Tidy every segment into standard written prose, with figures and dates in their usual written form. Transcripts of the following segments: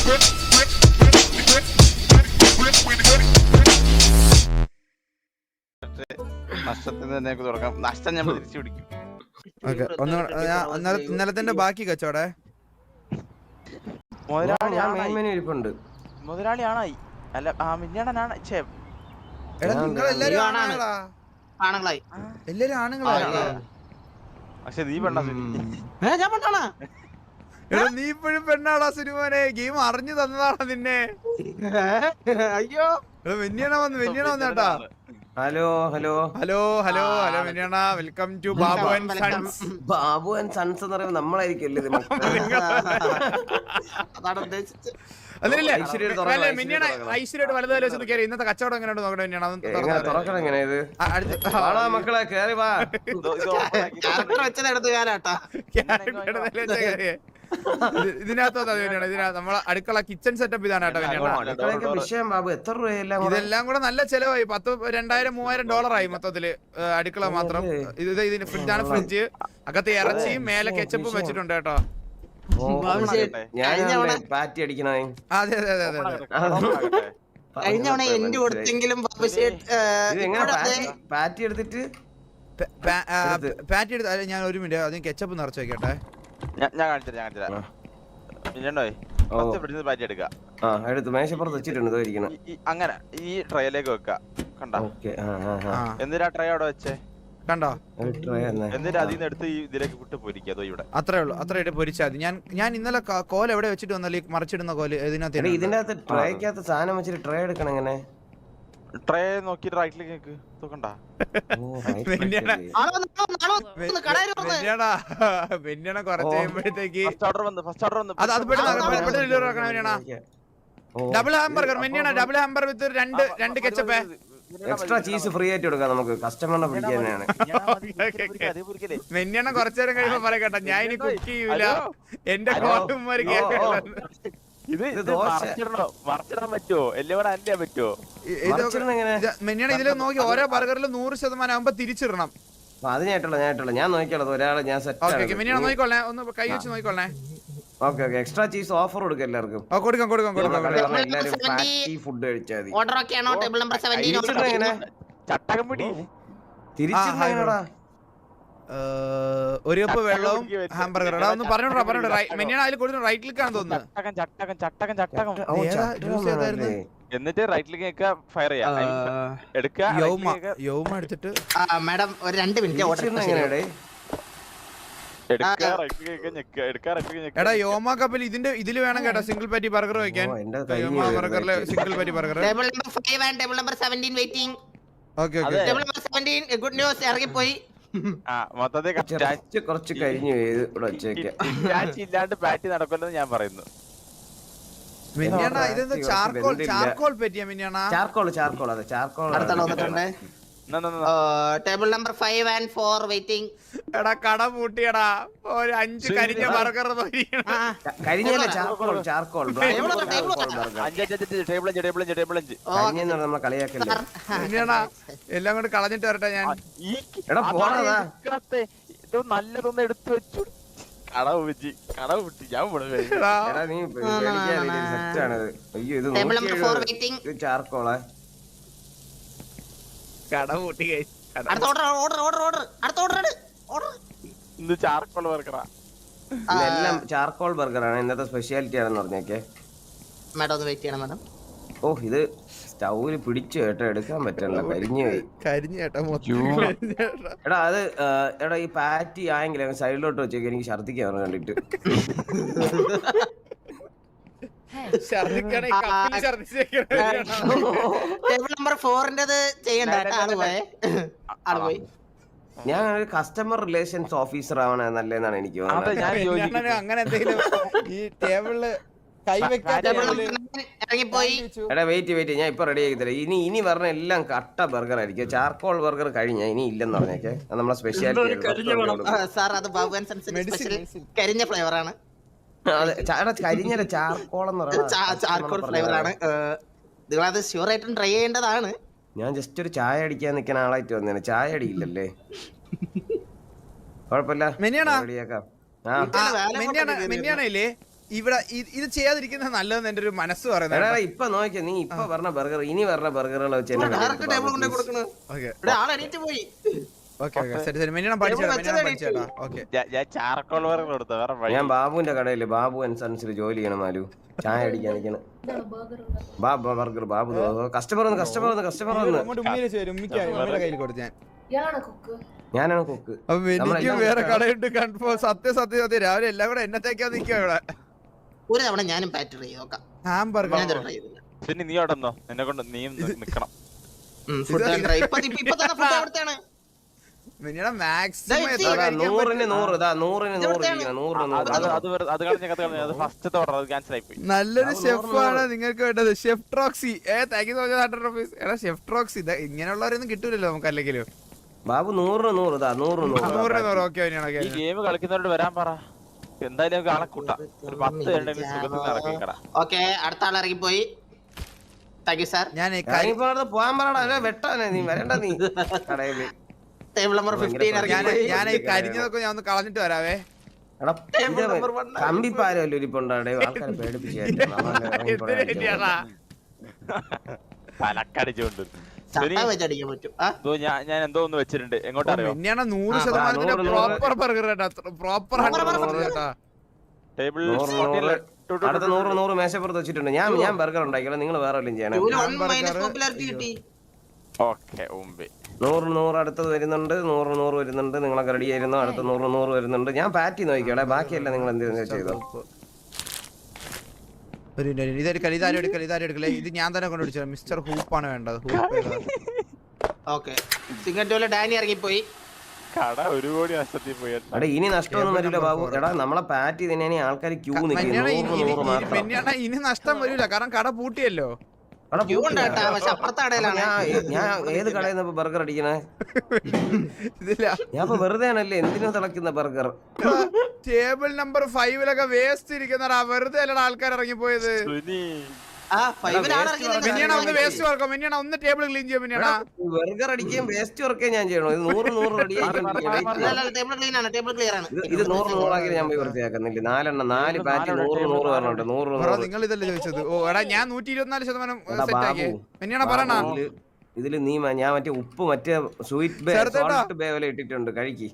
നഷ്ടത്തിന് തന്നെ തുടങ്ങാം. നഷ്ടം ഞാൻ തിരിച്ചു പിടിക്കും. ഇന്നലത്തെ ബാക്കി കച്ചവടേ മുതലാളിയാണായി അല്ല മിന്നണനാണ്. നിങ്ങളെല്ലാരും ആണുങ്ങളായി എല്ലാരും ആണുങ്ങളാണ്. പക്ഷെ നീ പെണ്ണ ഞാൻ പെണ്ണാണാ? എടാ നീ ഇപ്പോഴും പെണ്ണാടാ സുനിമോനെ. ഗെയിം അറിഞ്ഞു തന്നതാണോ നിന്നെ? അയ്യോ വെന്നിയണ വന്നേട്ടാ. Hello hello hello hello hello വെന്നിയണ. Welcome to Babu and sons. Babu and sons എന്ന് പറയുമ്പോൾ നമ്മളായിരിക്കും അല്ലേ? അതാണ് ഉദ്ദേശിച്ചത്. ഐശ്വര്യോട് വലുതായാലും വെച്ചത് കയറി. ഇന്നത്തെ കച്ചവടം എങ്ങനെയുണ്ട് നോക്കണേ വെന്നിയണ. തുറക്കണം എങ്ങനെ ഇത്? മക്കളെ കേറി വാ. ക്യാരക്ടർ വെച്ചത് എടുത്ത് കാലാട്ടാ. ഇതിനകത്ത് നമ്മളെ അടുക്കള കിച്ചൺ സെറ്റപ്പ് ഇതാണ് കേട്ടോ. വിഷയം ബാബു എത്ര രൂപയെല്ലാം ഇതെല്ലാം കൂടെ നല്ല ചെലവായി. $2000-3000 മൊത്തത്തില് അടുക്കള മാത്രം. ഇതിന് ഫ്രിഡ്ജാണ്. ഫ്രിഡ്ജ് അകത്ത് ഇറച്ചിയും മേലെ കെച്ചപ്പും വെച്ചിട്ടുണ്ട് കേട്ടോ. പാറ്റി അടിക്കണേ. അതെ അതെ അതെ അതെ. കഴിഞ്ഞ തവണ എന്റെ കൊടുത്തെങ്കിലും പാറ്റി എടുത്തിട്ട് പാറ്റി എടുത്ത് ഞാൻ ഒരു മിനിറ്റ് അതിന് കെച്ചപ്പ് നിറച്ച് വെക്കട്ടെ. ഞാൻ കാണിച്ചുതരാം. പാറ്റി എടുക്കുക. എടുത്ത് മേശപ്പുറത്ത് വെച്ചിട്ടുണ്ട്. അങ്ങനെ ഈ ട്രേയിലേക്ക് വെക്ക. കണ്ടോ? എന്തിനാ ട്രേ അവിടെ വെച്ചേ? കണ്ടോ? എന്നിട്ട് അതിൽ നിന്ന് എടുത്ത് ഇതിലേക്ക് വിട്ട് പൊരിക്കുക. ഇവിടെ അത്രേ ഉള്ളൂ. അത്രയായിട്ട് പൊരിച്ചാൽ മതി. ഞാൻ ഇന്നലെ കോല എവിടെ വെച്ചിട്ട് വന്നാലും മറിച്ചിടുന്ന കോല് ഇതിനകത്ത് ട്രേക്കകത്ത് സാധനം വെച്ചിട്ട് ട്രേ എടുക്കണം. എങ്ങനെ ട്രേ നോക്കിട്ട് റൈറ്റിലേക്ക് നോക്കണ്ട. വെന്നിയണ കുറച്ച് കഴിയുമ്പോഴത്തേക്ക് ഡബിൾ ഹാംബർഗർ. വെന്നിയണ ഡബിൾ ഹാംബർഗർ വിത്ത് രണ്ട് കെച്ചപ്പ്. എക്സ്ട്രാ ചീസ് ഫ്രീ ആയിട്ട് കൊടുക്കാം നമുക്ക്. കസ്റ്റമറിനെ പിടിക്കാൻ തന്നെയാണ്. വെന്നിയണ കുറച്ചു നേരം കഴിയുമ്പോ പറയട്ടെ, ഞാൻ ഇനി കുക്ക് ചെയ്യൂല. എന്റെ കോട്ടുമാര് മെന്നിയാണ് ഇതിൽ നോക്കി ഓരോ ബർഗറിലും 100% ആകുമ്പോ തിരിച്ചിടണം. അത് ഞാൻ നോക്കിയോളൂ. ഒരാളെ ഞാൻ സെറ്റ് മെന്നിയാണ് നോക്കിക്കൊള്ളേ. ഒന്ന് കൈ വെച്ച് നോക്കിക്കൊള്ളേ. Okay okay. Extra cheese offer കൊടുക്കാം എല്ലാവർക്കും. കൊടുക്കാം കൊടുക്കാം കൊടുക്കാം. എല്ലാവരും പാറ്റി ഫുഡ് കഴിച്ചാൽ മതി. ഓർഡർ ഒക്കെ ആണോ? ടേബിൾ നമ്പർ 17 ചട്ടകം പിടി തിരിച്ചിടണടാ. ഒരു കപ്പ് വെള്ളവും ഹാംബർഗർ. ഒന്ന് പറഞ്ഞോടാ. മെന്നിയാണ് അതിൽ കൊടുത്തു. റൈറ്റ് ക്ലിക്ക് ആണെന്ന് തോന്നുന്നു. എന്നിട്ട് റൈറ്റ് ക്ലിക്ക് ഫയർ ചെയ്യാം. യൗമ എടുത്തിട്ട് മാഡം ഒരു 2 മിനിറ്റ് ഓർഡർ എങ്ങനെയാടേ? എടാ യോമ കപ്പിൽ ഇതില് വേണം കേട്ടോ സിംഗിൾ പാറ്റി ബർഗർ വെക്കാൻ. ബർഗറിലെ single patty burger. Table number 5 and table number 17 waiting. Okay okay. Table number 17 good news ഇറങ്ങി പോയി. കുറച്ച് കഴിഞ്ഞു ഇവിടെ വെച്ചേക്കാം. ഇല്ലാണ്ട് പാറ്റി നടക്കില്ലെന്ന് ഞാൻ പറയുന്നു. മിന്നിയാണ ഇതെന്താ ചാർക്കോൾ പറ്റിയാ? മിന്നിയാണ ചാർക്കോൾ അതെ ചാർക്കോൾ. അടുത്ത വന്നിട്ടുണ്ട്. Table number 5 and 4 waiting. എടാ കട പൂട്ടിയടാ. ഒരു 5 കരിഞ്ഞ ബർഗർ കരിഞ്ഞല്ല ചാർക്കോൾ. നമ്മളെ കളിയാക്കല്ലേ. എല്ലാം കൊണ്ട് കളഞ്ഞിട്ട് വരട്ടെ ഞാൻ. നല്ലതൊന്ന് എടുത്തു വെച്ചു. കടവ് വെച്ച് ഞാൻ ചാർക്കോളെ കട പൂട്ടി ചാർക്കോൾ ബർഗറാ. എല്ലാം ചാർക്കോൾ ബർഗറാണ്. ഇന്നത്തെ സ്പെഷ്യാലിറ്റി ആണെന്ന് പറഞ്ഞേക്കെ. മാഡം ഒന്ന് വെയിറ്റ് ചെയ്യണം മാഡം. ഓ ഇത് സ്റ്റൗവില് പിടിച്ചു കേട്ടോ. എടുക്കാൻ പറ്റണല്ലോ. കരിഞ്ഞു കേട്ടോ. എടാ അത് എടാ ഈ പാറ്റി ആയെങ്കിൽ സൈഡിലോട്ട് വെച്ചേക്ക്. എനിക്ക് ഛർദിക്കാൻ കണ്ടിട്ട്. ടേബിൾ നമ്പർ 4 ചെയ്യണ്ട. ഞാൻ ഒരു കസ്റ്റമർ റിലേഷൻസ് ഓഫീസർ ആവണ നല്ലതെന്നാണ് എനിക്ക് തോന്നുന്നത്. അങ്ങനെ എന്തെങ്കിലും ഈ ടേബിളില് എടാ വെയിറ്റ് ഞാൻ ഇപ്പൊ റെഡി ആക്കി തരാം. ഇനി പറഞ്ഞ എല്ലാം കട്ട ബർഗർ ആയിരിക്കും. ചാർക്കോൾ ബർഗർ കഴിഞ്ഞ ഇനി ഇല്ലെന്ന് പറഞ്ഞേക്കെ. നമ്മളെ സ്പെഷ്യാലിറ്റി കരിഞ്ഞ ഫ്ലേവർ ആണ്. കരിഞ്ഞ ചാർക്കോൾ എന്ന് ചാർക്കോൾ ഫ്ലേവർ ആണ്. നിങ്ങളത് ഷുവർ ആയിട്ടും ട്രൈ ചെയ്യേണ്ടതാണ്. ഞാൻ ജസ്റ്റ് ഒരു ചായ അടിക്കാൻ നിൽക്കുന്ന ആളായിട്ട് വന്നേനെ. ചായ അടിയില്ലല്ലേ? കുഴപ്പമില്ല. മിന്നിയാണല്ലേ ഇവിടെ ഇത് ചെയ്യാതിരിക്കുന്നത് നല്ലതെന്ന് എന്റെ ഒരു മനസ്സ് എടാ പറയുന്നത്. ഇപ്പൊ നോക്കിയ നീ ഇപ്പൊ പറഞ്ഞ ബർഗർ ഇനി പറഞ്ഞ ബർഗറുകൾ വെച്ച് എന്നെ ഡയറക്റ്റ് ടേബിൾ കൊണ്ടേ കൊടുക്കണ ഓക്കെ ആൾ എണീറ്റ് പോയി. ഓക്കെ ഓക്കെ ശരി ശരി മിനിണം പഠിച്ചേട്ടാ ഓക്കെ. ഞാൻ ചാർക്കോൾ വർഗം കൊടുത്ത വേറെ വഴി. ഞാൻ ബാബുവിന്റെ കടയില് ബാബു ആൻഡ് സൺസിൽ ജോലി ചെയ്യണം മാലു. ചായ അടിക്കാൻ നിൽക്കണം. ബർഗർ ബാബു കസ്റ്റമർ വന്ന് അങ്ങോട്ട് ഉമ്മയില് ചേരും ഉമ്മിയുടെ കയ്യിൽ കൊടുത്തു ഞാൻ. ഞാനാണ് കുക്ക്. അപ്പൊ എനിക്കും വേറെ കടയുണ്ട് കൺഫോ. സത്യം രാവിലെ എല്ലാം കൂടെ എന്നത്തേക്കാ നിൽക്കുക ഇവിടെ. ഒരു തവണ ഞാനും പാറ്റ് ട്രൈ നോക്കാം. ഹാംബർഗർ ഞാൻ ട്രൈ ചെയ്തില്ല. പിന്നെ നീ അവിടെ നിന്നോ, എന്നെ കൊണ്ട് നീയും നിക്കണം. ഫുഡ് ട്രൈ ഇപ്പൊ തന്നെ ഫുഡ് അവിടുത്തെയാണ്. മിനിയുടെ മാക്സിമം എത്ര ഇതാ, കഴിക്കാൻ 100-ന് 100 അത് കളഞ്ഞ അത് ഫസ്റ്റത്തെ ഓർഡർ അത് ക്യാൻസൽ ആയി പോയി. നല്ലൊരു ഷെഫാണ് നിങ്ങൾക്ക് വേണ്ടത്. Chef Troxy. Thank you so much 100 rupees. എടാ ഷെഫ് ട്രോക്സി ഇങ്ങനെയുള്ളവരൊന്നും കിട്ടൂലല്ലോ നമുക്ക് അല്ലെങ്കിലും. ബാബു 100 ഓക്കെ ഈ ഗെയിം കളിക്കുന്നവരോട് വരാൻ പറ. എന്തായാലും നമുക്ക് ആളെ കൂട്ടാം. ഒരു 10 പേരുണ്ടെങ്കിൽ സുഖത്തിൽ നടക്കിക്കട. ഓക്കെ അടുത്ത ആൾ ഇറങ്ങി പോയി. Thank you sir. ഞാൻ പോവാൻ പറയടാ വെട്ടാനേ നീ വരണ്ട നീ കടയില്. ടേബിൾ നമ്പർ 15 ഇറങ്ങി പോയി. ഞാൻ ഈ കരിഞ്ഞതൊക്കെ ഞാൻ ഒന്ന് കളഞ്ഞിട്ട് വരാവേ. കമ്പിപ്പാരല്ലോ ഇരിപ്പുണ്ടാടെ ആൾക്കാരെ പേടിപ്പിച്ചു. തലക്കടിച്ചുകൊണ്ട് ചട്ട വെച്ചടിക്കാൻ പറ്റും. ഞാൻ എന്തോ ഒന്ന് വെച്ചിട്ടുണ്ട്. എങ്ങോട്ട് അറിയോ? 100% പ്രോപ്പർ ബർഗർ പ്രോപ്പർ ടേബിൾ അടുത്ത 100 മേശപ്പുറത്ത് വെച്ചിട്ടുണ്ട്. ഞാൻ ബർഗർ ഉണ്ടാക്കിയാലോ നിങ്ങൾ വേറെ വല്ലതും ചെയ്യണം. 100 അടുത്തത് വരുന്നുണ്ട്. 100 വരുന്നുണ്ട്. നിങ്ങളൊക്കെ റെഡി ആയിരുന്നു. അടുത്ത 100 വരുന്നുണ്ട്. ഞാൻ പാറ്റി നോക്കിയോടെ ബാക്കിയല്ല നിങ്ങൾ എന്ത് ചെയ്തോ. ഇതാരെടുക്കലേ ഇത് ഞാൻ തന്നെ കൊണ്ടുപിടിച്ചത്. മിസ്റ്റർ ഹൂപ്പാണ് വേണ്ടത്. ഡാനി ഇറങ്ങിപ്പോയി. കട ഒരു കോടി നഷ്ടത്തിൽ പോയി. എടാ ഇനി നഷ്ടമൊന്നും വരില്ല ബാബു. എടാ നമ്മളെ പാറ്റി തന്നെ ആൾക്കാർ ക്യൂ നിൽക്കും. ഇനി നഷ്ടം വരില്ല കാരണം കട പൂട്ടിയല്ലോ. ഞാൻ ഏത് കടയിൽ നിന്ന് ബർഗർ അടിക്കണേ? ഞാൻ വെറുതെ ആണല്ലേ എന്തിനാ തിളക്കുന്ന ബർഗർ. ടേബിൾ നമ്പർ 5 വേസ്റ്റ് ഇരിക്കുന്ന വെറുതെ അല്ലടാ ആൾക്കാർ ഇറങ്ങിപ്പോയത്. ഒന്ന് ടേബിൾ ക്ലീൻ ചെയ്യാൻ മിനിയണ. ബർഗർ അടിക്കുകയും വേസ്റ്റ് വർക്കേ ഞാൻ ചെയ്യണോ? ഇത് 100 റെഡി ഇത് 100 ആക്കി ഞാൻ പോയി വൃത്തിയാക്കുന്നില്ല. 4 പാറ്റി 100 പറഞ്ഞോണ്ട് 100. നിങ്ങൾ ഇതല്ലേ ചോദിച്ചത്? ഓ എടാ ഞാൻ 124% സെറ്റ് ആക്കി മിനിയണ പറയണ. ഇതില് നീ ഞാൻ മറ്റേ ഉപ്പ് മറ്റേ സ്വീറ്റ് ബേ പോലെ ഇട്ടിട്ടുണ്ട്. കഴിക്കി.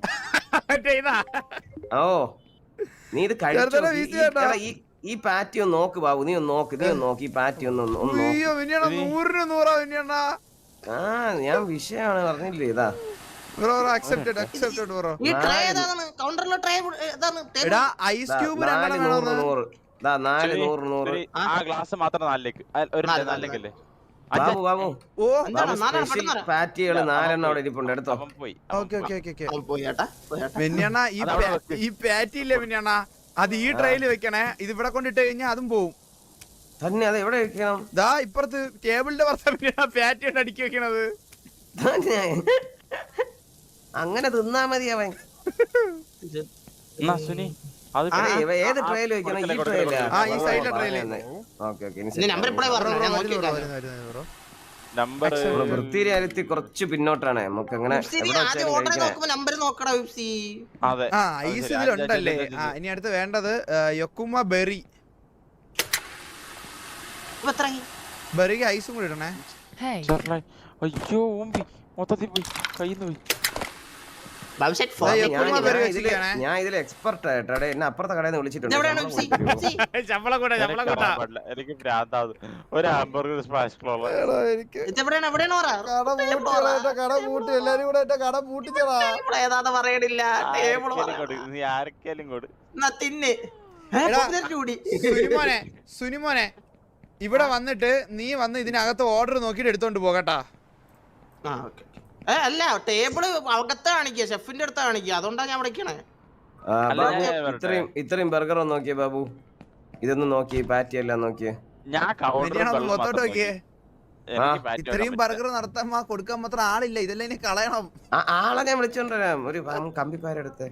ഓ നീ ഇത് കഴിച്ചു. ഈ പാറ്റി ഒന്ന് നോക്ക് ബാബു. നീ ഒന്ന് നോക്ക് ഈ പാറ്റി ഒന്ന് നോക്ക്. ഞാൻ വിഷയമാണ് പറഞ്ഞില്ലേ. ഇതാ ഐസ് ക്യൂബ് 400 ആ ഗ്ലാസ് മാത്രം 4ലേക്ക് അല്ലേ ബാബു ബാബു പാറ്റികള് 4 അവിടെ ഇരിപ്പുണ്ട്. എടുത്തോ. ഈ പാറ്റി ഇല്ലേ മിനിയണ്ണ അത് ഈ ട്രെയില് വെക്കണേ. ഇത് ഇവിടെ കൊണ്ടിട്ട് കഴിഞ്ഞാൽ അതും പോവും തന്നെ. അത് എവിടെ വെക്കണം? ദാ ഇപ്പുറത്ത് ടേബിളിന്റെ പുറത്ത് പാറ്റി കൊണ്ട് അടുക്കി വെക്കണത്. അങ്ങനെ തിന്നാ മതി അവൻ. ഏത് ട്രെയില് വെക്കണം? ഈ ട്രെയിലാ? ഈ സൈഡിലെ ട്രെയില്. നമ്പർ വൃത്തിയിലെത്തി കുറച്ച് പിന്നോട്ടാണ്. നമുക്ക് അങ്ങനെ ഐസ് ഇതിലുണ്ടല്ലേ. ഇനി അടുത്ത് വേണ്ടത് യൊക്കുമ ബെറി. ബെറിക്ക് ഐസും കൂടി ഇടണേ. അയ്യോ മൊത്തത്തിൽ പോയി കയ്യിന്ന് പോയി. ഞാൻ ഇതിൽ എക്സ്പെർട്ട് ആയിട്ടാണ്. എന്നെ അപ്പുറത്തെ കടയിൽ നിന്ന് വിളിച്ചിട്ടുണ്ട്. എനിക്ക് ഭ്രാന്താവും. ഒരു ഹാംബർഗർ സ്മാഷ് നീ ആരൊക്കെയാലും കൊടു. സുനിമോനെ ഇവിടെ വന്നിട്ട് നീ വന്ന് ഇതിനകത്ത് ഓർഡർ നോക്കിട്ട് എടുത്തോണ്ട് പോകട്ടാ. അല്ല ടേബിള് അകത്ത് കാണിക്കുക. ഷെഫിന്റെ അടുത്ത് കാണിക്കുക. അതുകൊണ്ടാണ് ഞാൻ വിളിക്കണേ. ഇത്രയും ബർഗർ ഒന്ന് നോക്കിയേ ബാബു. ഇതൊന്നും നോക്കിയേ. പാറ്റി എല്ലാം നോക്കിയേ. ഇത്രയും ബർഗർ നടത്താൻ കൊടുക്കാൻ മാത്രം ആളില്ല. ഇതെല്ലാം ഇനി കളയണം. ആളെ ഞാൻ വിളിച്ചോണ്ടരാം. ഒരു കമ്പിപ്പാരെടുത്ത്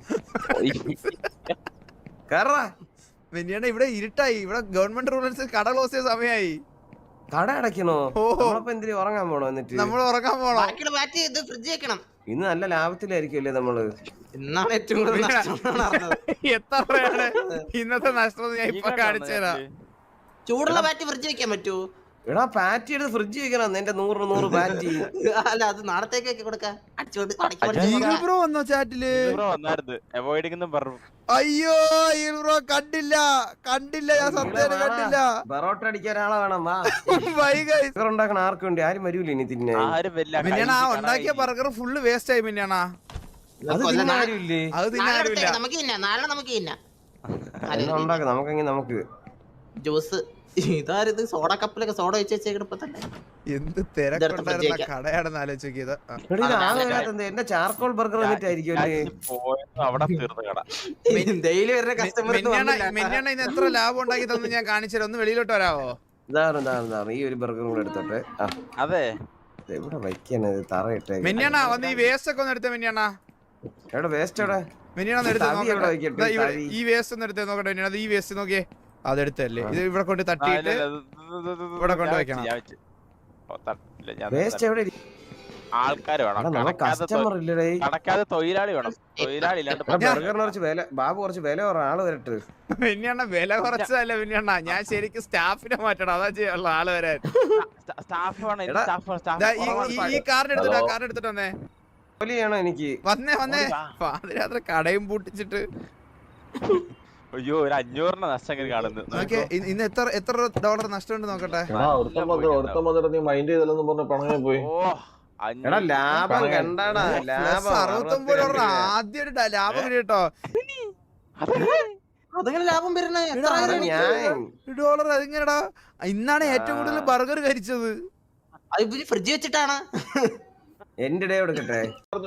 കേറാ. വെനിയാണ് ഇവിടെ ഇരുട്ടായി. ഇവിടെ ഗവൺമെന്റ് റൂൾസ് കട ക്ലോസ് ചെയ്ത സമയമായി. കട അടയ്ക്കണോ? എന്തിനു ഉറങ്ങാൻ പോണോ? എന്നിട്ട് നമ്മൾ ഉറങ്ങാൻ പോണോ? ഫ്രിഡ്ജ് വെക്കണം. ഇന്ന് നല്ല ലാഭത്തിലായിരിക്കുമല്ലേ നമ്മള്? ഇന്നാണ് ഏറ്റവും കൂടുതൽ നഷ്ടം എന്നാണ് അറിഞ്ഞത്. എത്ര രൂപയാണ് ഇന്നത്തെ നഷ്ടം ഞാൻ ഇപ്പൊ കാണിച്ചു തരാം. ചൂടുള്ള ബാറ്റ് ഫ്രിഡ്ജ് വെക്കാൻ പറ്റൂ? എടാ പാറ്റി എടുത്ത് ഫ്രിഡ്ജ് വെക്കണം എന്റെ 100 പാറ്റി. അല്ല അത് നാളത്തേക്കൊക്കെ കൊടുക്കാം. ഈഗിൾ ബ്രോ വന്നോ ചാറ്റില്? അയ്യോ ഈഗിൾ ബ്രോ കണ്ടില്ല ഞാൻ സത്യം കണ്ടില്ല. ബറോട്ട അടിക്കാൻ ആളെ വേണം. വാ ഉണ്ടാക്കണ ആർക്കും വേണ്ടി ആരും വരൂല ഇനി തിന്നെ. മിന്നാണ് ആ ഉണ്ടാക്കിയ ബർഗർ ഫുള്ള് വേസ്റ്റ് ആയി. മിന്നാണാ അത് തിന്നാരുമില്ലേ? അത് തിന്നാരുമില്ല. നമുക്ക് ജ്യൂസ് ഇതാരത് സോഡ കപ്പിലൊക്കെ സോഡ വെച്ച് വെച്ചേക്കിപ്പോ തന്നെ എന്ത് തിരക്കുണ്ടായിരുന്ന കടയാണെന്ന് ആലോചിച്ചത്. എന്റെ ചാർക്കോൾ ബർഗർ ഡെയിലി വരുന്ന കസ്റ്റമർ. മിന്നാണ് ഇന്ന് എത്ര ലാഭം ഉണ്ടാക്കി തന്നെ ഞാൻ കാണിച്ചു. ഒന്ന് വെളിയിലോട്ട് വരാവോ? ഈ ഒരു ബർഗർ കൂടെ എടുത്തോട്ടെ. അതെ എവിടെ വയ്ക്കാനത് തറയിട്ടേ. മിന്നാണാ വന്ന് ഈ വേസ്റ്റ് ഒക്കെ ഒന്ന് എടുത്തേ. മിന്നാണാ എവിടെ വേസ്റ്റ് എവിടെ? മിന്നാണ് ഈ വേസ്റ്റ് ഒന്ന് എടുത്തേ നോക്കട്ടെ. മിന്നാ ഈ വേസ്റ്റ് നോക്കിയേ. അതെടുത്തല്ലേ ഇത് ഇവിടെ കൊണ്ട് തട്ടിയിട്ട് ഇവിടെ കൊണ്ട് വെക്കണം. വേസ്റ്റ് എവിടെ? ആൾക്കാര് വേണം, കസ്റ്റമർ ഇല്ലടേ. കടക്കാതെ തൊഴിലാളി വേണം. തൊഴിലാളി ഇല്ലാണ്ട് ബർഗറിന് കുറച്ച് വില, ബാബു കുറച്ച് വില കുറ ആള് വരട്ടെ. പിന്നെണ്ണ വില കുറച്ചതല്ല പിന്നെണ്ണ, ഞാൻ ശരിക്കും സ്റ്റാഫിനെ മാറ്റണം. അതാ ചെയ്യാനുള്ള ആള് വരാൻ. സ്റ്റാഫ് വേണം. ഈ കാർഡ് എടുത്തിട്ട് വന്നേ. എനിക്ക് വന്നേ പാതിരാത്രി കടയും പൂട്ടിച്ചിട്ട്. അയ്യോ ഒരു 500 നഷ്ടം കാണുന്നു. ഇന്ന് എത്ര ഡോളർ നഷ്ടമുണ്ട് നോക്കട്ടെ. ലാഭം കണ്ടാടാ, $69 ആദ്യം ഒരു ലാഭം കേട്ടോ. അതെങ്ങനെ ലാഭം വരുന്നേ? $1 അതെങ്ങനെടാ? ഇന്നാണ് ഏറ്റവും കൂടുതൽ ബർഗർ കഴിച്ചത്. ഫ്രിഡ്ജ് വെച്ചിട്ടാണ്. എന്റെ ഡേ എടുക്കട്ടെ.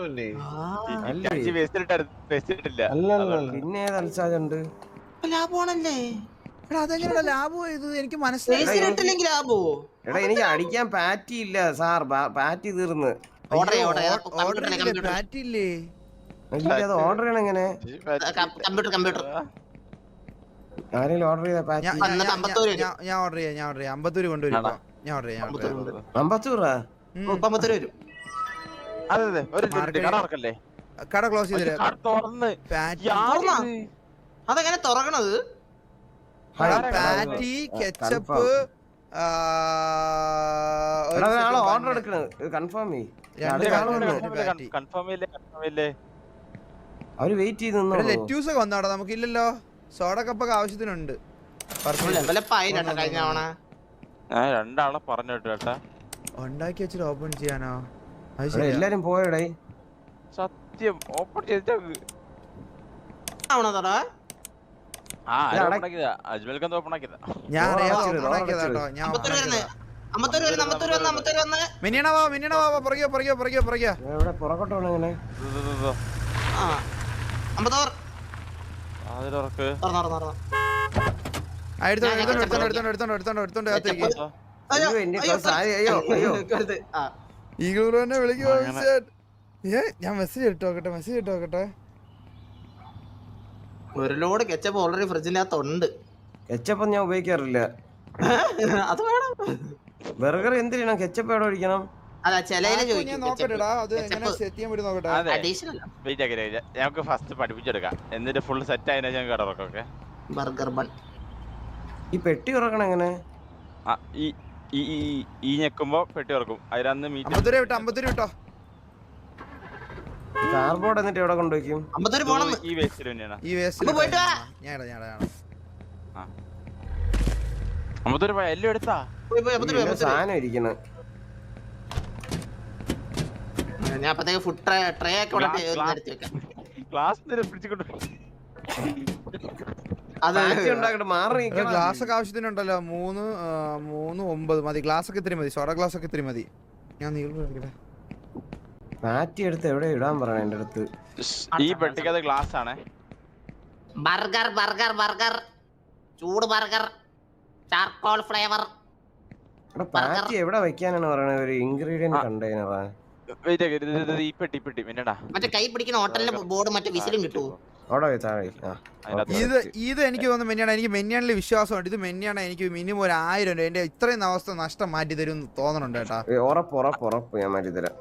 പിന്നെ തലച്ചാജുണ്ട്. ലാഭമാണല്ലേ? അതെങ്ങനെയാ ലാഭം? ഇത് എനിക്ക് മനസ്സിലായില്ലെങ്കിൽ ലാഭോ? എടാ എനിക്ക് അടിക്കാൻ പാറ്റി ഇല്ല സാർ, പാറ്റി തീർന്ന്. പാറ്റി ഇല്ലേ? അത് ഓർഡർ ചെയ്യണം എങ്ങനെ? കമ്പ്യൂട്ടർ ആരെങ്കിലും ഓർഡർ ചെയ്താ പാറ്റി? ഞാൻ ഓർഡർ ചെയ്യാം. 50 കൊണ്ടുവരും. ഞാൻ ഓർഡർ ചെയ്യാം. 50 വരും. കട ക്ലോസ് ചെയ്ത് അതെങ്ങനെ തുറക്കണത്? പാറ്റി, കെച്ചപ്പ്, ഓർഡർ എടുക്കണത് കൺഫേം അവര് വെയിറ്റ് ചെയ്ത്. ലെറ്റ്യൂസ് ഒക്കെ വന്നോടാ? നമുക്കില്ലല്ലോ. സോഡ കപ്പൊക്കെ ആവശ്യത്തിനുണ്ട്. രണ്ടാളെ പറഞ്ഞു കേട്ടാ ഉണ്ടാക്കി വെച്ചിട്ട് ഓപ്പൺ ചെയ്യാനോ? എല്ലാരും പോയടേ. സത്യം ഓപ്പൺ ചെയ്തിട്ട് ഞാൻ മെസ്സേജ് ഇട്ട് നോക്കട്ടെ. ഒരു ലോഡ് കെച്ചപ്പ് ഓൾറെഡി ഫ്രിഡ്ജിനകത്തുണ്ട്. കെച്ചപ്പ് ഞാൻ ഉപയോഗിക്കാറില്ല. അത് വേണം. ബർഗർ എന്തിനാ കെച്ചപ്പ് എവിടെ ഒഴിക്കണം? അല്ല ചിലയില് ഞങ്ങൾക്ക് ഫസ്റ്റ് പഠിപ്പിച്ചെടുക്കാം, എന്നിട്ട് ഫുൾ സെറ്റ് ആയതിനു ശേഷം കടറൊക്കെ. ബർഗർ ബൺ ഈ പെട്ടി തുറക്കണം എങ്ങനെ? ഈ ഞെക്കുമ്പോ പെട്ടി തുറക്കും. അതിലന്ന് വിട്ടോ. കാർബോർഡ് എന്നിട്ട് എവിടെ കൊണ്ടുവയ്ക്കും? ഈ വേസ്റ്റിൽ തന്നെയാണ്. എല്ലാം എടുത്താ സാധനം ഇരിക്കണം. ഞാൻ അപ്പത്തേക്ക് ഫുഡ് ട്രേ ഒക്കെ ഗ്ലാസ് ഒക്കെ ആവശ്യത്തിനുണ്ടല്ലോ. 3 മതി. ഗ്ലാസ് ഒക്കെ ഇത്തിരി മതി. സോഡ ഗ്ലാസ് ഒക്കെ ഇത്തിരി മതി. ഞാൻ മാറ്റി എടുത്ത് എവിടെ ഇടാൻ പറയണ എന്റെ അടുത്ത്. ഈ പെട്ടിക്കത് ഗ്ലാസ് ആണ്. ബർഗർ ചൂട് ബർഗർ ചാർക്കോൾ ഫ്ലേവർ. പാറ്റി എവിടെ വെക്കാനാണ് പറയണത്? ഒരു ഇൻഗ്രീഡിയന്റ് കണ്ടെയ്നറാ. ഈ പെട്ടി പിന്നടാ മറ്റേ കൈ പിടിക്കുന്ന ഹോട്ടലിന്റെ ബോർഡ് മറ്റേ വിസിലും കിട്ടുമോ? അവിടെ പോയി താഴെ ആ ഇത് എനിക്ക് തോന്നുന്നു മെന്നിയാണ്. എനിക്ക് മെന്നിയാണിൽ വിശ്വാസമുണ്ട്. ഇത് മെന്നിയാണ് എനിക്ക് മിനിമം ഒരു 1000 രൂപ എന്റെ ഇത്രയും അവസ്ഥ നഷ്ടം മാറ്റി തരും തോന്നുന്നുണ്ട് കേട്ടാ. ഉറപ്പ് ഞാൻ മാറ്റി തരാം.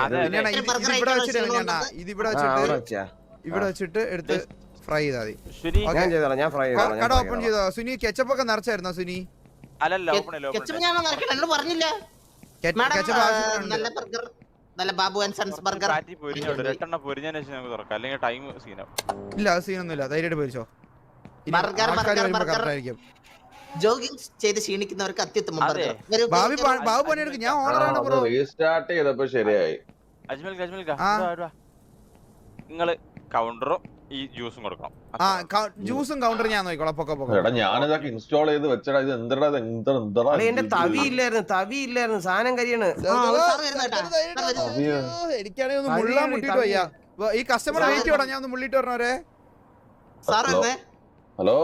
ഇവിടെ വെച്ചിട്ട് എടുത്ത് ഫ്രൈ ചെയ്താൽ മതി. ഞാൻ ചെയ്തോളാം, ഞാൻ ഫ്രൈ കട ഓപ്പൺ ചെയ്തോ സുനി? കെച്ചപ്പ് ഒക്കെ നിറച്ചായിരുന്നോ സുനി? പറഞ്ഞില്ല കെച്ചപ്പ് ആവശ്യമുണ്ട്. നല്ല ബർഗർ, നല്ല ബാബു ആൻഡ് സൺസ് ബർഗർ. ഇല്ല അത് സീനൊന്നുമില്ല, ധൈര്യമായിട്ട് പോയിച്ചോ. ജോഗിങ് ചെയ്ത് ക്ഷീണിക്കുന്നവർക്ക് അത്യുത്തമം ബർഗർ. ബാബു പണിയെടുക്കും, ഞാൻ ഓണറാണ് ബ്രോ. റീസ്റ്റാർട്ട് ചെയ്തപ്പോ ശരിയായി. നിങ്ങള് കൗണ്ടറും ഈ ജ്യൂസും കൊടുക്കണം. ജ്യൂസും കൗണ്ടർ ഞാൻ നോക്കിക്കോളാം. എടാ ഞാനിതൊക്കെ ഇൻസ്റ്റാൾ ചെയ്ത് വെച്ചടാ. ഇത് എന്തെടാ എന്റെ തവിയില്ലായിരുന്നു സാധനം കരിയാണ്. എനിക്കാണെങ്കിൽ ഒന്ന് മുള്ളാൻ മുട്ടിട്ട് വയ്യ. ഈ കസ്റ്റമർ വെയിറ്റ് ചെയ്യണം, ഞാൻ ഒന്ന് മുള്ളിട്ട് പറഞ്ഞവരെ. ഹലോ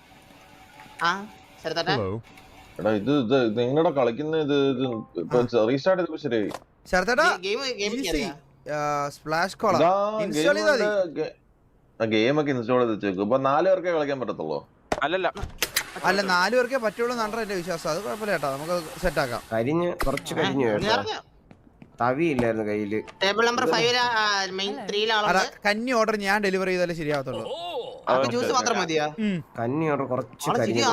എടാ ഇത് നിങ്ങളുടെ കളിക്കുന്ന ഇത് റീസ്റ്റാർട്ട് ചെയ്തപ്പോ ശരിയായി. ശരത്തേട്ടാ സ്പ്ലാഷ് കോള ഇൻസ്റ്റാൾ ചെയ്താൽ മതി. ഗെയിം ഒക്കെ ഇൻസ്റ്റാൾ ചെയ്ത് വെച്ചേക്കും. ഇപ്പൊ 4 പേർക്കേ കളിക്കാൻ പറ്റത്തുള്ളൂ. അല്ല 4 പേർക്കേ പറ്റുള്ളൂ എന്നാണ് എന്റെ വിശ്വാസം. അത് കുഴപ്പമില്ല കേട്ടോ, നമുക്ക് സെറ്റ് ആക്കാം. കുറച്ച് കരിഞ്ഞു തവിയില്ലായിരുന്നു കയ്യില്. ടേബിൾ നമ്പർ 5 മെയിൻ 3 കന്നി ഓർഡർ ഞാൻ ഡെലിവറി ചെയ്താലേ ശരിയാവത്തുള്ളൂ. ജ്യൂസ് മാത്രം മതിയാ? കന്നി ഓർഡർ കുറച്ച്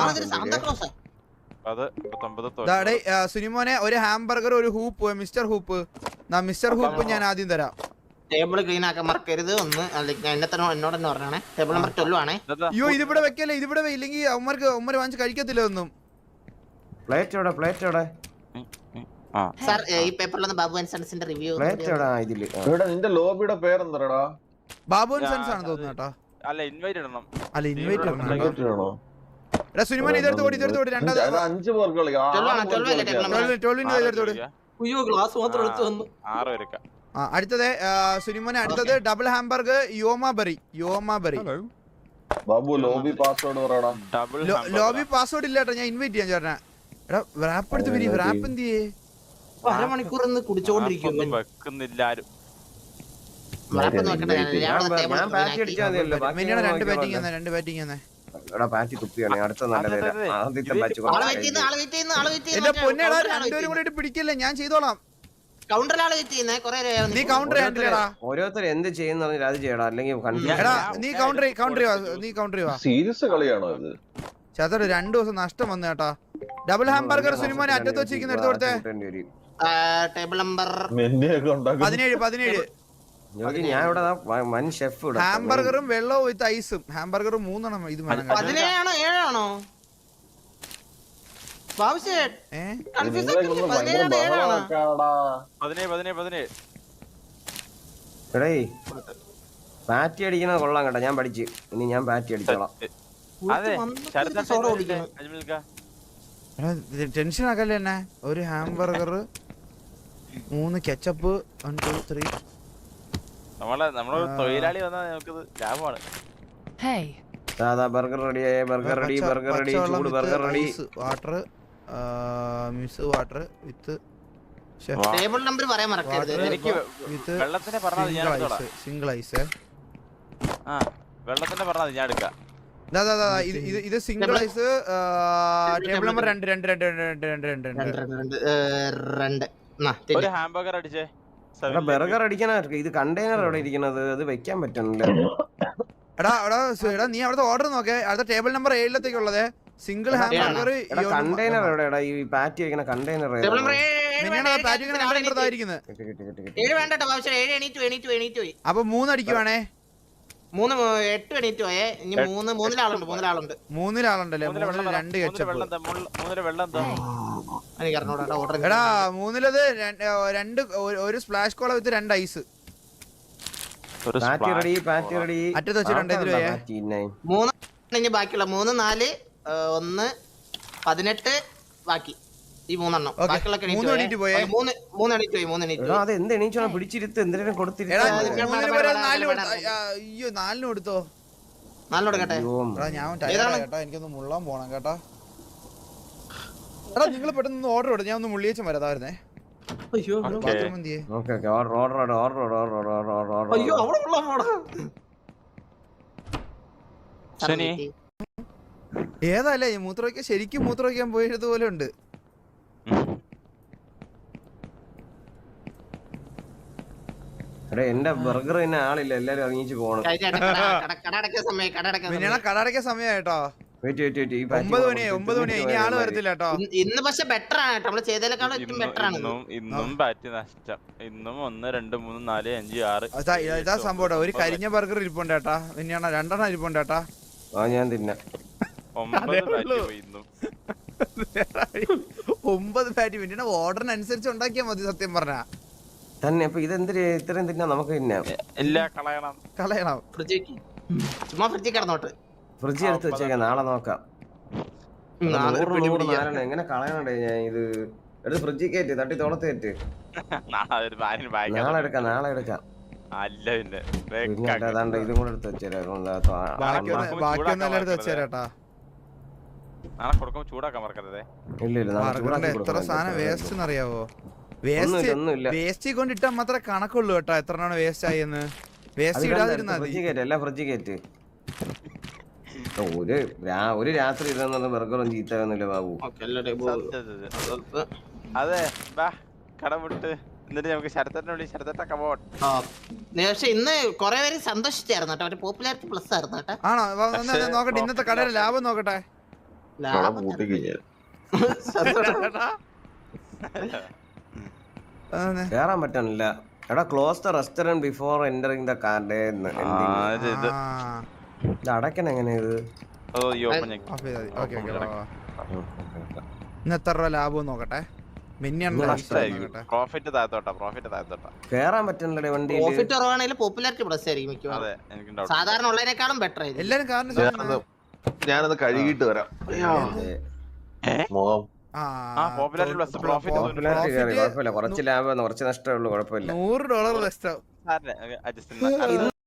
സുനിമോനെ ഒരു ഹാംബർഗർ ഒരു ഹൂപ്പ് മിസ്റ്റർ ഹൂപ്പ് ഞാൻ ആദ്യം തരാം. ടേബിൾ ക്ലീൻ ആക്കാൻ മറക്കരുത്. ഒന്ന് എന്നോട് തന്നെ പറഞ്ഞേ. ടേബിൾ നമ്പർ 12 ആണേ. അയ്യോ ഇതിവിടെ വെക്കല്ലേ, ഇതിവിടെ ഇല്ലെങ്കിൽ അവന്മാര് വാങ്ങിച്ച് കഴിക്കത്തില്ല ഒന്നും. പ്ലേറ്റ് സാർ ഈ പേപ്പറിലൊന്ന് ബാബു ആൻഡ് സൺസിന്റെ റിവ്യൂ. നിന്റെ ലോബിയുടെ പേരെന്താടാ? ബാബു ആൻഡ് സൺസ് ആണ് തോന്നുന്നു കേട്ടോ. അല്ല ഇൻവൈറ്റ് ഇടണം. എടാ സുനിമോൻ ഇതെടുത്ത് ഓടി 5 പേർക്ക് കളിക്കാം. 6 പേർക്ക്. അടുത്തത് സുനിമോനെ അടുത്തത് ഡബിൾ ഹാംബർഗർ യോമാബറി. ബാബു ലോബി പാസ്വേഡ് പറയടാ. ലോബി പാസ്വേഡ് ഇല്ല കേട്ടോ, ഞാൻ ഇൻവൈറ്റ് ചെയ്യാൻ ചേട്ടനാ. എടാ റാപ്പ് എടുത്ത് വരി. റാപ്പ് എന്ത് ചെയ്യേ? അരമണിക്കൂർ കുടിച്ചോണ്ടിരിക്കും. വെക്കുന്നില്ല ആരും. രണ്ട് ബാറ്റിംഗ് തന്നെ. എന്റെ പൊന്നേടാ രണ്ടുപേരും കൂടി പിടിക്കല്ലേ, ഞാൻ ചെയ്തോളാം. നീ കൗണ്ടർ ഓരോരുത്തർ എന്ത് ചെയ്യുന്ന അത് ചെയ്യണം, അല്ലെങ്കിൽ നീ കൗണ്ടർ സീരിയസ് കളിയാണോ ഇത്? ചേട്ടാ 2 ദിവസം നഷ്ടം വന്നു കേട്ടാ. ഡബിൾ ഹാംബർഗർ സുനിമോനെ അറ്റത്ത് വെച്ചിരിക്കുന്ന എടുത്ത് കൊടുത്തേ. ടേബിൾ നമ്പർ 17 ഞാൻ ഇവിടെ വൻ ഷെഫ്. ഹാംബർഗറും വെള്ളവും വിത്ത് ഐസും. ഹാംബർഗറും 3 എണ്ണം ഇത് വേണം. 17 7 പാറ്റി അടിക്കുന്നത് കൊള്ളാം കേട്ടോ. ഞാൻ പഠിച്ചു, ഇനി ഞാൻ പാറ്റി അടിച്ചോളാം. ടെൻഷൻ ആക്കല്ലേ എന്നെ. ഒരു ഹാംബർഗർ 3 കെച്ചപ്പ് 1 2 3. നമ്മളെ തൊഴിലാളി വന്നാൽ നമുക്കത് ലാഭമാണ്. ബർഗർ റെഡി, ബർഗർ റെഡി, ചൂട് burger ready. Water mix water with table number പറയാൻ മറക്കരുത്. എനിക്ക് വെള്ളത്തിനെ പറഞ്ഞാൽ ഞാൻ എടുത്തോളാം. Single ice. വെള്ളത്തിനെ പറഞ്ഞാൽ ഞാൻ എടുക്കാം. ഇത് സിംഗിൾ ഐസ്. Table number 2. ഒരു ഹാംബർഗർ അടിച്ചേ. ബർഗർ അടിക്കാനാ. ഇത് കണ്ടെയ്നർ എവിടെ ഇരിക്കുന്നത്? അത് വെക്കാൻ പറ്റുന്നില്ല. എടാ നീ അവിടുത്തെ ഓർഡർ നോക്കേ. അടുത്ത table number 7 single hamburger. Container എവിടെയാടാ? ഈ പാറ്റി വെക്കുന്ന കണ്ടെയ്നർ ഇനി 3 അടിക്കുവാണേ. 3 ആളുണ്ടല്ലേ? 2 കെച്ചപ്പ്. എടാ 3 ഒരു സ്പ്ലാഷ് കോള വിത്ത് 2 ഐസ്. അറ്റത്ത് വെച്ചിട്ടുണ്ട്. 3 ബാക്കിയുള്ള 3 4 1 18 ബാക്കി ഈ 3 എണ്ണം. ബാക്കിയുള്ള 3 എണീറ്റ് പോയി. പിടിച്ചിരുത്ത് എന്തിനും കൊടുത്തിരുത്ത. അയ്യോ 4 കൊടുത്തോ? 4 കൊടുക്കട്ടെ. എനിക്കൊന്ന് മുള്ളാൻ പോണം കേട്ടാ. എടാ നിങ്ങൾ പെട്ടെന്ന് ഓർഡർ കൊടു. ഞാൻ ഒന്ന് മുള്ളിയേച്ചും വരാതായിരുന്നേ. ശനി. ഏതല്ലേ ഈ മൂത്രമൊഴിക്കാൻ ശരിക്കും മൂത്രമൊഴിക്കാൻ പോയതുപോലെ ഉണ്ട്. എടാ എന്റെ ബർഗർ തന്നെ ആളില്ല, എല്ലാരും ഇറങ്ങിച്ച് പോണം. മിനിയാണ് കട അടയ്ക്കാൻ സമയമായിട്ടോ. വെയിറ്റ് 9 മണിയായി ഇനി ആള് വരത്തില്ല കേട്ടോ. ഇന്ന് പക്ഷെ ബെറ്റർ ആണ് കേട്ടോ, നമ്മള് ചെയ്തതിനേക്കാളും ഏറ്റവും ബെറ്റർ ആണ്. ഇന്നും ബാറ്റ് നഷ്ടം. ഇന്നും 1 2 3 4 5 6 ഇതാ സംഭവം. ഒരു കരിഞ്ഞ ബർഗർ ഇരിപ്പുണ്ട് കേട്ടാ. മിനിയാണ് 2 ഇരിപ്പുണ്ട് കേട്ടാ. ഞാൻ തിന്ന 9 ബാറ്റ് പോയി ഇന്നും. 9 പാറ്റി. മിനിയാണ് ഓർഡറിനനുസരിച്ച് ഉണ്ടാക്കിയാ മതി സത്യം പറഞ്ഞാ തന്നെ. അപ്പൊ ഇതെന്തിരി ഇത്രയും തിന്നാ നമുക്ക് തിന്നാം. ഇല്ല കളയണം. ചുമ്മാ ഫ്രിഡ്ജിൽ കിടന്നോട്ട്. ഫ്രിഡ്ജ് എടുത്ത് വെച്ചേക്കാം, നാളെ നോക്കാം. 100 എങ്ങനെ കളയണേ ഞാൻ ഇത് എടുത്ത് ഫ്രിഡ്ജിൽ കയറ്റി തട്ടി തോളത്ത് കയറ്റി. നാളെ എടുക്കാം അല്ല പിന്നെ ഏതാണ്ട് ഇതും കൂടെ എടുത്ത് വെച്ചേരാ. ബാക്കിയൊന്നും എടുത്ത് വെച്ചേരാട്ടാ. നാളെ കൊടുക്കുമ്പോ ചൂടാക്കാൻ മറക്കരുതേ. ഇല്ല എത്ര സാധനം വേസ്റ്റ് അറിയാവോ? വേസ്റ്റ് കൊണ്ടിട്ടാ മാത്രമേ കണക്കുള്ളൂ കേട്ടോ എത്രയാണ് വേസ്റ്റ് ആയെന്ന്. വേസ്റ്റ് ഇടാതിരുന്നാ എല്ലാം ഫ്രിഡ്ജിൽ കയറ്റി. ഒരു രാത്രി ഇരുന്ന ബർഗറും ചീത്തയൊന്നുമില്ല ബാബു. അതെ കട വിട്ട് എന്നിട്ട് നമുക്ക് ശരത്തേട്ടൊക്കെ പോട്ടെ. പക്ഷെ ഇന്ന് കൊറേ പേര് സന്തോഷിച്ചായിരുന്നു കേട്ടോ, പോപ്പുലാരിറ്റി പ്ലസ് ആയിരുന്നു കേട്ടോ. ആണോ? നോക്കട്ടെ ഇന്നത്തെ കടയുടെ ലാഭം നോക്കട്ടെ. കേറാൻ പറ്റണില്ല. എടാ close the restaurant before entering the card. ഇത് അടയ്ക്കണം എങ്ങനെ ഇത്? ഇന്ന് എത്ര രൂപ ലാഭം നോക്കട്ടെ. കേറാൻ പറ്റുന്നില്ല വണ്ടി. പ്രോഫിറ്റ് കുറവാണെങ്കിൽ പോപ്പുലാരിറ്റി പ്ലസ് ആയിരിക്കും മിക്കവാറും. സാധാരണ ഉള്ളതിനേക്കാളും ബെറ്റർ ആയിരിക്കും. എല്ലാരും കാരണം ഞാനത് കഴുകിയിട്ട് വരാം. മുഖം കുഴപ്പമില്ല, കുറച്ച് ലാഭം കുറച്ച് നഷ്ടമേ ഉള്ളൂ, കുഴപ്പമില്ല. $100 നഷ്ടം.